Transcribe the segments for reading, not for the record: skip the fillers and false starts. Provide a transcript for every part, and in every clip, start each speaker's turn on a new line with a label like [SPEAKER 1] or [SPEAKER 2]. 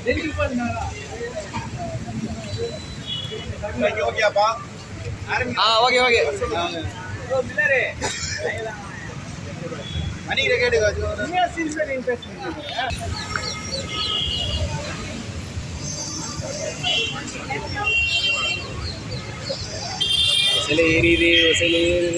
[SPEAKER 1] ஓகேப்பா.
[SPEAKER 2] Okay okay.
[SPEAKER 1] மணிக்கிட்ட கேட்டுக்கோ.
[SPEAKER 2] சில ஏறிது சில ஏறுது.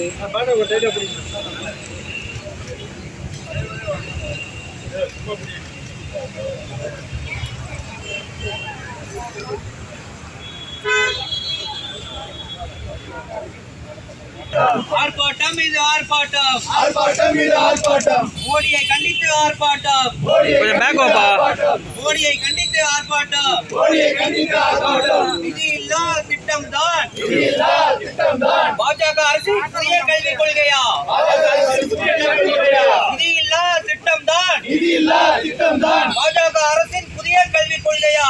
[SPEAKER 3] ஆர்ப்பாட்டம் இது ஆர்ப்பாட்டம்.
[SPEAKER 1] ஆர்ப்பாட்டம் இது ஆர்ப்பாட்டம்.
[SPEAKER 3] மோடியை கண்டித்து ஆர்ப்பாட்டம்.
[SPEAKER 2] கொஞ்சம் பேக் வாப்பா.
[SPEAKER 3] மோடியை கண்டித்து ஆர்ப்பாட்டம்.
[SPEAKER 1] மோடியை கண்டித்து ஆர்ப்பாட்டம்.
[SPEAKER 3] நிதியில்லா திட்டம் தான்.
[SPEAKER 1] நிதியில்லா திட்டம் தான்.
[SPEAKER 3] பாஜக அரசின் புதிய கல்விக் கொள்கையா? நிதியில்லா திட்டம் தான்.
[SPEAKER 1] நிதியில்லா திட்டம் தான்.
[SPEAKER 3] பாஜக அரசின் புதிய கல்விக் கொள்கையா?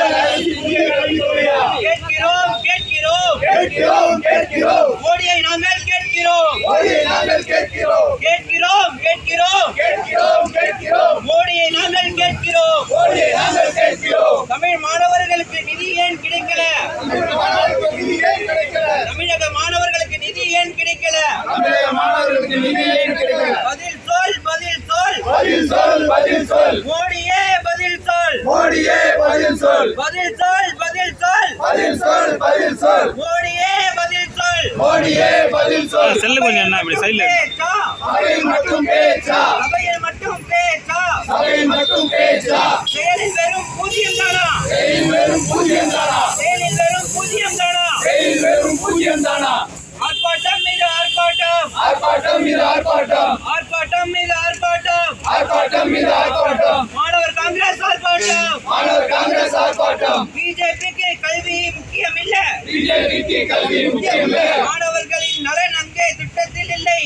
[SPEAKER 3] கேட்கிறோம் கேட்கிறோம்
[SPEAKER 1] கேட்கிறோம் கேட்கிறோம்.
[SPEAKER 3] மோடியை நாங்கள் கேட்கிறோம்.
[SPEAKER 1] மோடியை நாங்கள் கேட்கிறோம்.
[SPEAKER 3] கேட்கிறோம் கேட்கிறோம்
[SPEAKER 1] கேட்கிறோம் கேட்கிறோம்.
[SPEAKER 3] மோடியை நாங்கள் கேட்கிறோம்.
[SPEAKER 1] மோடியை நாங்கள் கேட்கிறோம்.
[SPEAKER 3] தமிழ் மாணவர்களுக்கு நிதி ஏன் கிடைக்கல?
[SPEAKER 1] நிதி ஏன் கிடைக்கல?
[SPEAKER 3] தமிழக மாணவர்களுக்கு நிதி ஏன் கிடைக்கல?
[SPEAKER 1] தமிழக மாணவர்களுக்கு நிதி ஏன் கிடைக்கல?
[SPEAKER 3] பதில் சொல் பதில் சொல்.
[SPEAKER 1] பதில் சொல் பதில் சொல்.
[SPEAKER 3] மோடியே பதில் சொல்.
[SPEAKER 1] மோடியே பதில் சொல்.
[SPEAKER 3] பதில் சொல் பதில் சொல்.
[SPEAKER 1] பதில் சொல் பதில் சொல்.
[SPEAKER 3] மோடியே பதில் சொல்.
[SPEAKER 1] மோடியே பதில் சொல்.
[SPEAKER 2] செல்லு கொஞ்சம் என்ன இப்படி சைடுல
[SPEAKER 3] பேச்சா?
[SPEAKER 1] சபையில் மட்டும் பேச்சா?
[SPEAKER 3] சபையில் மட்டும் பேச்சா?
[SPEAKER 1] சபையில் மட்டும் பேச்சா?
[SPEAKER 3] செயலில் வெறும் பூஜ்யம் தானா?
[SPEAKER 1] செயலில் வெறும் பூஜ்யம் தானா?
[SPEAKER 3] செயலில் வெறும் பூஜ்யம் தானா?
[SPEAKER 1] செயலில் வெறும் பூஜ்யம் தானா?
[SPEAKER 3] ஆர்ப்பாட்டம் மீது ஆர்ப்பாட்டம்.
[SPEAKER 1] ஆர்ப்பாட்டம் மீது ஆர்ப்பாட்டம்.
[SPEAKER 3] ஆர்ப்பாட்டம் மீது ஆர்ப்பாட்டம்.
[SPEAKER 1] ஆர்ப்பாட்டம் மீது ஆர்ப்பாட்டம்.
[SPEAKER 3] மாணவர் காங்கிரஸ் ஆர்ப்பாட்டம்.
[SPEAKER 1] மாணவர் காங்கிரஸ் ஆர்ப்பாட்டம்.
[SPEAKER 3] பிஜேபிக்கு கல்வி முக்கியம் இல்ல.
[SPEAKER 1] பிஜேபிக்கு கல்வி முக்கியம் இல்லை.
[SPEAKER 3] மாணவர்களின் நலன் அங்கே திட்டத்தில் இல்லை.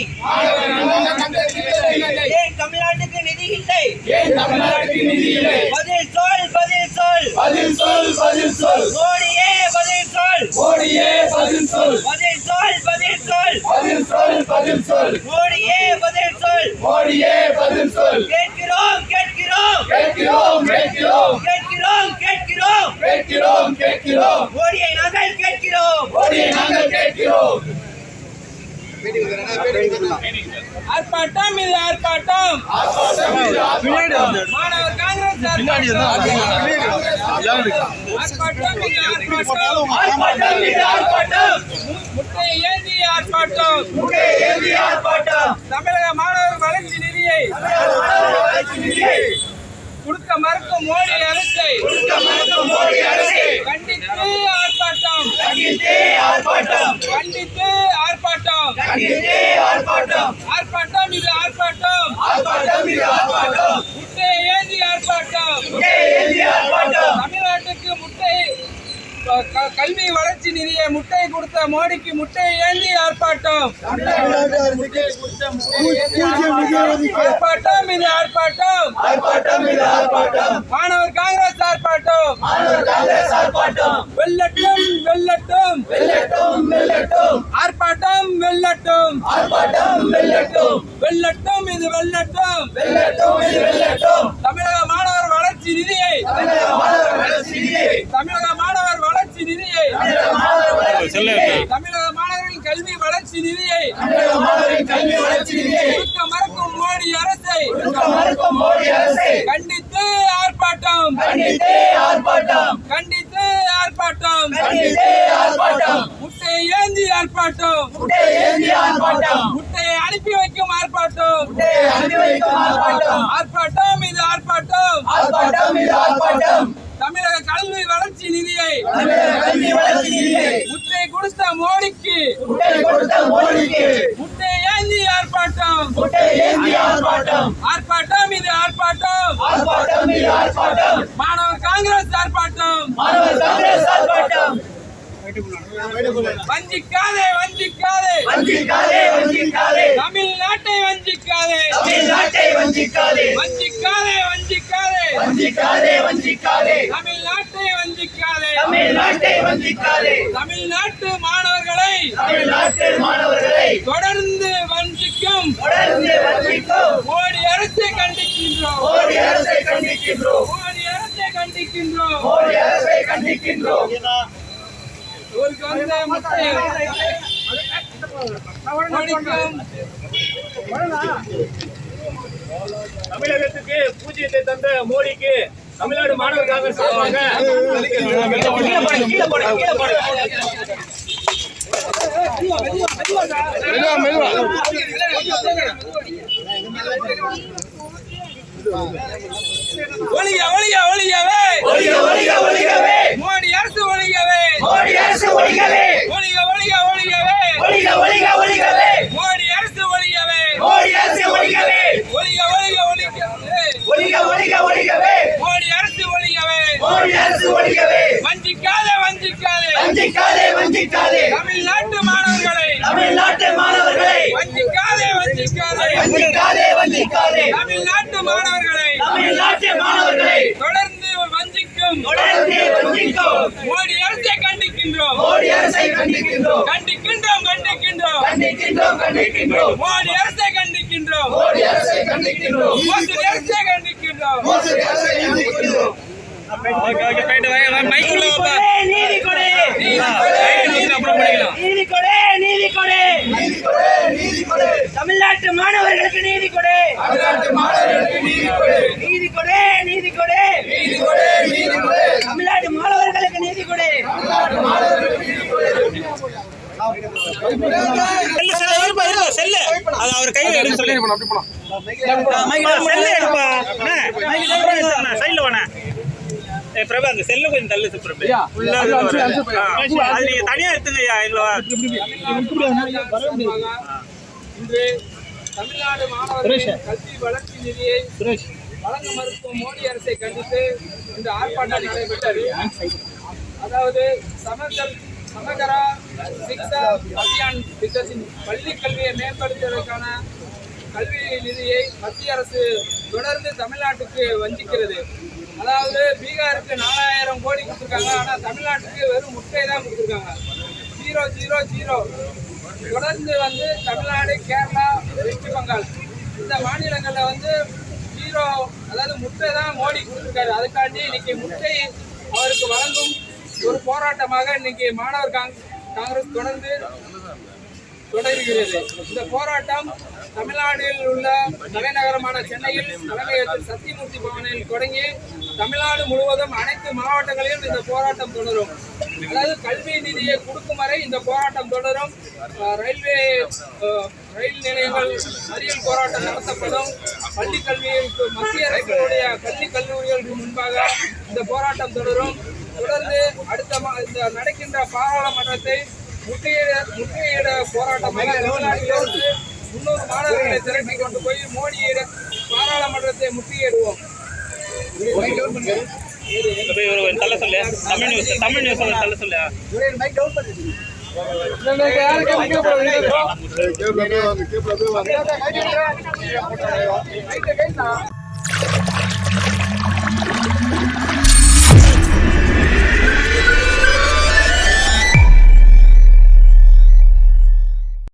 [SPEAKER 3] ஏன் தமிழ்நாட்டுக்கு நிதி இல்லை?
[SPEAKER 1] ஏன் தமிழ்நாட்டுக்கு நிதி இல்லை?
[SPEAKER 3] பதில் சொல் பதில் சொல்.
[SPEAKER 1] பதில் சொல் பதில் சொல்.
[SPEAKER 3] மோடியே பதில் சொல்.
[SPEAKER 1] மோடியே பதில் சொல்.
[SPEAKER 3] பதில் சொல் பதில் சொல்.
[SPEAKER 1] பதில் சொல் பதில் சொல்.
[SPEAKER 3] மோடியே பதில் சொல்.
[SPEAKER 1] மோடியே பதில் சொல்.
[SPEAKER 3] கேட்கிறோம் கேட்கிறோம்
[SPEAKER 1] கேட்கிறோம் கேட்கிறோம்.
[SPEAKER 3] கேட்கிறோம் கேட்கிறோம்.
[SPEAKER 1] கேட்கிறோம் கேட்கிறோம்.
[SPEAKER 3] மோடியை நாங்கள் கேட்கிறோம்.
[SPEAKER 1] மோடியை நாங்கள் கேட்கிறோம்.
[SPEAKER 3] ஆர்ப்பாட்டம் இது ஆர்ப்பாட்டம்.
[SPEAKER 1] ஆர்ப்பாட்டம் மீது ஆர்ப்பாட்டம்.
[SPEAKER 3] மாணவர் காங்கிரஸ் ஆர்ப்பாட்டம் மீது ஆர்ப்பாட்டம்.
[SPEAKER 1] ஆர்ப்பாட்டம் மீது ஆர்ப்பாட்டம்.
[SPEAKER 3] முட்டை ஏந்தி ஆர்ப்பாட்டம்.
[SPEAKER 1] முட்டை ஏந்தி ஆர்ப்பாட்டம்.
[SPEAKER 3] தமிழக மாணவர் வளர்ச்சி நிதியை கொடுக்க மறுக்கும் மோடி அரசை
[SPEAKER 1] மோடி அரசு
[SPEAKER 3] கண்டித்து ஆர்ப்பாட்டம்.
[SPEAKER 1] கண்டித்தே ஆர்ப்பாட்டம்.
[SPEAKER 3] கண்டித்து ஆர்ப்பாட்டம்.
[SPEAKER 1] கண்டித்தே ஆர்ப்பாட்டம்.
[SPEAKER 3] ஆர்ப்பாட்டம் இது ஆர்ப்பாட்டம்.
[SPEAKER 1] ஆர்ப்பாட்டம் மீது ஆர்ப்பாட்டம்.
[SPEAKER 3] முட்டை ஏந்தி ஆர்ப்பாட்டம்.
[SPEAKER 1] முட்டை ஏந்தி ஆர்ப்பாட்டம்.
[SPEAKER 3] தமிழ்நாட்டுக்கு முட்டை கல்வி வளர்ச்சி நிதியை முட்டை கொடுத்த மோடிக்கு முட்டை ஏந்தி ஆர்ப்பாட்டம். ஆர்ப்பாட்டம் இது ஆர்ப்பாட்டம்.
[SPEAKER 1] ஆர்ப்பாட்டம் மீது ஆர்ப்பாட்டம்.
[SPEAKER 3] மாணவர் காங்கிரஸ் ஆர்ப்பாட்டம்.
[SPEAKER 1] மாணவர் காங்கிரஸ் ஆர்ப்பாட்டம்.
[SPEAKER 3] வெல்லட்டும் வெல்லட்டும்.
[SPEAKER 1] வெல்லட்டும் வெல்லட்டும்.
[SPEAKER 3] ஆர்ப்பாட்டம் வெல்லட்டும்.
[SPEAKER 1] ஆர்ப்பாட்டம் வெல்லட்டும்.
[SPEAKER 3] வெல்லட்டும் இது வெல்லட்டும்.
[SPEAKER 1] வெல்லட்டும் இது வெல்லட்டும்.
[SPEAKER 3] தமிழக மாணவர் வளர்ச்சி நிதியை
[SPEAKER 1] தமிழக மாணவர் வளர்ச்சி நிதியை
[SPEAKER 3] தமிழக மாணவர் வளர்ச்சி நிதியை
[SPEAKER 1] தமிழக மாணவர் வளர்ச்சி நிதியை
[SPEAKER 3] தமிழக மாணவர்களின் கல்வி வளர்ச்சி நிதியை
[SPEAKER 1] தமிழக மாணவரின் கல்வி வளர்ச்சி நிதியை
[SPEAKER 3] கொடுக்க மறுக்கும் மோடி அரசை
[SPEAKER 1] கொடுக்க மறுக்கும் மோடி அரசு
[SPEAKER 3] கண்டித்து ஆர்ப்பாட்டம்.
[SPEAKER 1] கண்டித்தே ஆர்ப்பாட்டம்.
[SPEAKER 3] கண்டித்து ஆர்ப்பாட்டம்.
[SPEAKER 1] கண்டித்தே ஆர்ப்பாட்டம்.
[SPEAKER 3] முட்டை ஏந்தி ஆர்ப்பாட்டம்.
[SPEAKER 1] முட்டை ஏந்தி ஆர்ப்பாட்டம்.
[SPEAKER 3] முட்டையை அனுப்பி வைக்கும் ஆர்ப்பாட்டம்.
[SPEAKER 1] முட்டையை அனுப்பி வைக்கும் ஆர்ப்பாட்டம்.
[SPEAKER 3] ஆர்ப்பாட்டம் இது ஆர்ப்பாட்டம்.
[SPEAKER 1] ஆர்ப்பாட்டம் இது ஆர்ப்பாட்டம்.
[SPEAKER 3] தமிழக கல்வி வளர்ச்சி நிதியை
[SPEAKER 1] தமிழக கல்வி வளர்ச்சி நிதியை
[SPEAKER 3] முட்டை கொடுத்த மோடிக்கு
[SPEAKER 1] முட்டை கொடுத்த மோடிக்கு
[SPEAKER 3] முட்டை ஏந்தி ஆர்ப்பாட்டம்.
[SPEAKER 1] முட்டை ஏந்தி ஆர்ப்பாட்டம்.
[SPEAKER 3] ஆர்ப்பாட்டம் இது ஆர்ப்பாட்டம்.
[SPEAKER 1] ஆர்ப்பாட்டம் இது ஆர்ப்பாட்டம்.
[SPEAKER 3] மாணவர் காங்கிரஸ் ஆர்ப்பாட்டம்.
[SPEAKER 1] மாணவர் காங்கிரஸ் ஆர்ப்பாட்டம்.
[SPEAKER 3] வஞ்சிக்காதே வஞ்சிக்காதே.
[SPEAKER 1] வஞ்சிக்காதே வஞ்சிக்காதே.
[SPEAKER 3] தமிழ்நாட்டை வஞ்சிக்காதே.
[SPEAKER 1] தமிழ்நாட்டை வஞ்சிக்காதே.
[SPEAKER 3] வஞ்சிக்காதே வஞ்சிக்காதே.
[SPEAKER 1] வஞ்சிக்காதே வஞ்சிக்காதே.
[SPEAKER 3] தமிழ்நாட்டை வஞ்சிக்காதே.
[SPEAKER 1] தமிழ்நாட்டை வஞ்சிக்காதே.
[SPEAKER 3] தமிழ்நாட்டு மாணவர்களை
[SPEAKER 1] தமிழ்நாட்டு மாணவர்களை
[SPEAKER 3] தொடர்ந்து வஞ்சிக்கும்
[SPEAKER 1] தொடர்ந்து வஞ்சிக்கும்
[SPEAKER 3] மோடி அரசை கண்டிக்கின்றோம்.
[SPEAKER 1] மோடி அரசை கண்டிக்கின்றோம்.
[SPEAKER 3] மோடி அரசை அரசை கண்டிக்கின்றோம்.
[SPEAKER 1] மோடி அரசை கண்டிக்கின்றோம்.
[SPEAKER 3] இவருக்கு வந்து முட்டை மோடிக்கும்
[SPEAKER 4] தமிழகத்துக்கு பூஜ்ஜியத்தை தந்த மோடிக்கு தமிழ்நாடு மாணவர் காங்கிரஸ் சார்பாக
[SPEAKER 3] ஒழிக ஒழிக ஒழிகவே
[SPEAKER 1] ஒழிக ஒழிக ஒழிகவே
[SPEAKER 3] மோடி அரசு ஒழிகவே
[SPEAKER 1] மோடி அரசு ஒழிகவே
[SPEAKER 3] ஒழிக ஒழிக ஒழிகவே
[SPEAKER 1] ஒழிக ஒழிக ஒழிகவே
[SPEAKER 3] மோடி அரசு ஒழிகவே
[SPEAKER 1] மோடி அரசு ஒழிகவே
[SPEAKER 3] ஒழிக ஒழிக ஒழிகவே
[SPEAKER 1] ஒழிக ஒழிக ஒழிகவே
[SPEAKER 3] மோடி அரசு ஒழிகவே
[SPEAKER 1] மோடி அரசு ஒழிகவே
[SPEAKER 3] வஞ்சிக்காதே வஞ்சிக்காதே
[SPEAKER 1] வஞ்சிக்காதே வஞ்சிக்காதே
[SPEAKER 3] தமிழ்நாட்டு மாணவர்களை
[SPEAKER 1] தமிழ்நாட்டு மாணவர்களை
[SPEAKER 3] வஞ்சிக்காதே வஞ்சிக்காதே
[SPEAKER 1] வஞ்சிக்காதே வஞ்சிக்காதே
[SPEAKER 3] தமிழ்நாட்டு மாணவர்களை
[SPEAKER 1] தமிழ்நாட்டு மாணவர்களை
[SPEAKER 3] தொடர்ந்து வஞ்சிக்கும்
[SPEAKER 1] தொடர்ந்து வஞ்சிக்கும்
[SPEAKER 3] மோடி அரசை கண்டிக்கின்றோம்
[SPEAKER 1] மோடி அரசை கண்டிக்கின்றோம்
[SPEAKER 3] கண்டிக்கின்றோம் கண்டிக்கின்றோம்
[SPEAKER 1] கண்டிக்கின்றோம் கண்டிக்கின்றோம்
[SPEAKER 3] மோடி அரசை கண்டிக்கின்றோம்
[SPEAKER 1] மோடி அரசை கண்டிக்கின்றோம்
[SPEAKER 3] மோடி அரசை கண்டிக்கின்றோம்
[SPEAKER 1] மோடி அரசை கண்டிக்கின்றோம்
[SPEAKER 2] ஓகே ஓகே போயிட்டு வாங்க மைக் உள்ள வாப்பா
[SPEAKER 1] நீதி கொடு
[SPEAKER 2] அப்புறம் பண்ணிக்கலாம்
[SPEAKER 1] நீதி கொடு நீதி கொடு நீதி கொடு நீதி கொடு தமிழ்நாட்டு மாணவர்களுக்கு நீதி கொடு தமிழ்நாட்டு மாணவர்களுக்கு நீதி கொடு நீதி கொடு நீதி கொடு நீதி கொடு நீதி கொடு தமிழ்நாட்டு மாணவர்களுக்கு நீதி கொடு தமிழ்நாட்டு மாணவர்களுக்கு நீதி கொடு
[SPEAKER 2] செல்லு செல்லு இருப்பா இருப்பா செல்லு அது அவர் கையில எடுக்க சொல்லி செல்லு எடுப்பா சைடுல வாண்ணே ஏய் பிரபா அந்த செல்லு கொஞ்சம் தள்ளு பிரபு உள்ள அது நீங்க தனியா எடுத்துங்கய்யா எங்களோ
[SPEAKER 3] இன்று தமிழ்நாடு மாணவர்களின் கல்வி வளர்ச்சி நிதியை வழங்க மறுக்கும் மோடி அரசை கண்டித்து இந்த ஆர்ப்பாட்டம் நடைபெற்றது. அதாவது சமகரா சிக்ஷா அபியான் திட்டத்தின் பள்ளி கல்வியை மேம்படுத்துவதற்கான கல்வி நிதியை மத்திய அரசு தொடர்ந்து தமிழ்நாட்டுக்கு வஞ்சிக்கிறது. அதாவது பீகாருக்கு 4000 கோடி கொடுத்துருக்காங்க, ஆனால் தமிழ்நாட்டுக்கு வெறும் முட்டை தான் கொடுத்துருக்காங்க. 000. தொடர்ந்து வந்து தமிழ்நாடு, கேரளா, வெஸ்ட் பெங்கால் இந்த மாநிலங்களில் வந்து 0, அதாவது முட்டை தான் மோடி கொடுத்துருக்காரு. அதுக்காண்டி இன்னைக்கு முட்டை அவருக்கு வழங்கும் ஒரு போராட்டமாக இன்னைக்கு மாணவர் காங்கிரஸ் தொடர்கிறது. இந்த போராட்டம் தமிழ்நாட்டில் உள்ள தலைநகரமான சென்னையில் தலைமையகத்தில் சத்தியமூர்த்தி பவனில் தொடங்கி தமிழ்நாடு முழுவதும் அனைத்து மாவட்டங்களிலும் இந்த போராட்டம் தொடரும். அதாவது கல்வி நிதியை கொடுக்கும் வரை இந்த போராட்டம் தொடரும். ரயில் நிலையங்கள் மறியல் போராட்டம் நடத்தப்படும். பள்ளி கல்வியில் மத்திய அரசுடைய கல்வி கல்லூரிகளுக்கு முன்பாக இந்த போராட்டம் தொடரும். தொடர்ந்து இந்த நடக்கின்ற பாராளுமன்றத்தை முற்றுகையிட போராட்டமாக தமிழ்நாட்டிலிருந்து 300 மாணவர்களை திரட்டி கொண்டு போய் மோடியிட பாராளுமன்றத்தை முற்றுகையிடுவோம்.
[SPEAKER 2] தள்ள சொல்லு தமிழ் நியூஸ் தள்ள சொல்லு
[SPEAKER 3] யாருக்கு